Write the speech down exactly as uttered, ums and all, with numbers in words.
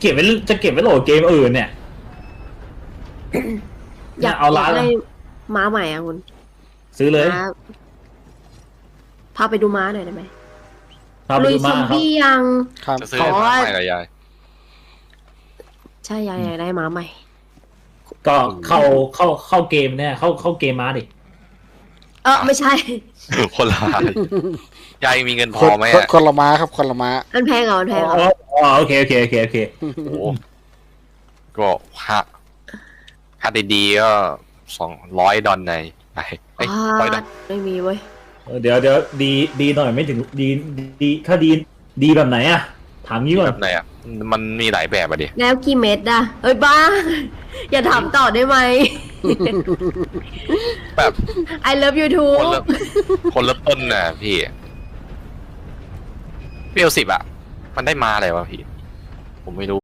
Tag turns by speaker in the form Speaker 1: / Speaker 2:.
Speaker 1: ก็บไว้จะเก็บไว้โหลดเกมอื่นเนี่ย
Speaker 2: อยาก
Speaker 1: เอาร้าน
Speaker 2: ได้ม้าใหม่อะคุณ
Speaker 1: ซื้อเลย
Speaker 2: ม้าพาไปดูม้าหน่อยได้ไหม
Speaker 1: พาไป
Speaker 2: ลุย
Speaker 1: ดู
Speaker 2: ซ
Speaker 1: มา
Speaker 2: อม
Speaker 1: ครับ
Speaker 2: บี้ยัง
Speaker 3: ครับ
Speaker 4: จะซื้อ
Speaker 2: ขอ
Speaker 4: ม้าใหม่เหรอยาย
Speaker 2: ใช่ยายอยากได้ม้าใหม่
Speaker 1: ก็เข้าเข้าเข้าเกมเนี่ยเข้าเข้าเกมมาดิ
Speaker 2: เออไม่ใช่
Speaker 4: คนละยายมีเงินพ
Speaker 3: ค
Speaker 4: อน ไหม
Speaker 3: คน
Speaker 4: อะ
Speaker 3: คนละม้าครับคนละม้า
Speaker 2: มันแพงเหรอมันแพงเหรอ
Speaker 1: อ๋ออ๋อโอเคโอเคโอเคโอเค
Speaker 4: โอ้ก็ค่าค่าดีๆก็สองร้อยดอลในไอ้เอ้ยร้อยดอล
Speaker 2: ไม่มีเว้ย
Speaker 1: เออเดี๋ยวเดี๋ยวดีดีหน่อยไม่ถึงดีดีถ้าดีดีแบบไหนอะถามงี้ก่อ
Speaker 4: แบ
Speaker 1: น
Speaker 4: บไหนอ่ะมันมีหลายแบบอะดิ
Speaker 2: แล้วกี่เม็ดอะเอ้ยบ้า อย่าถามต่อได้ไหม
Speaker 4: แบบ
Speaker 2: I love you
Speaker 4: คน
Speaker 2: too
Speaker 4: ละคนละต้นน่ะพี่เปรี้ยวสิบอ่ะ มันได้มาอะไรวะพี่ ผมไม่รู้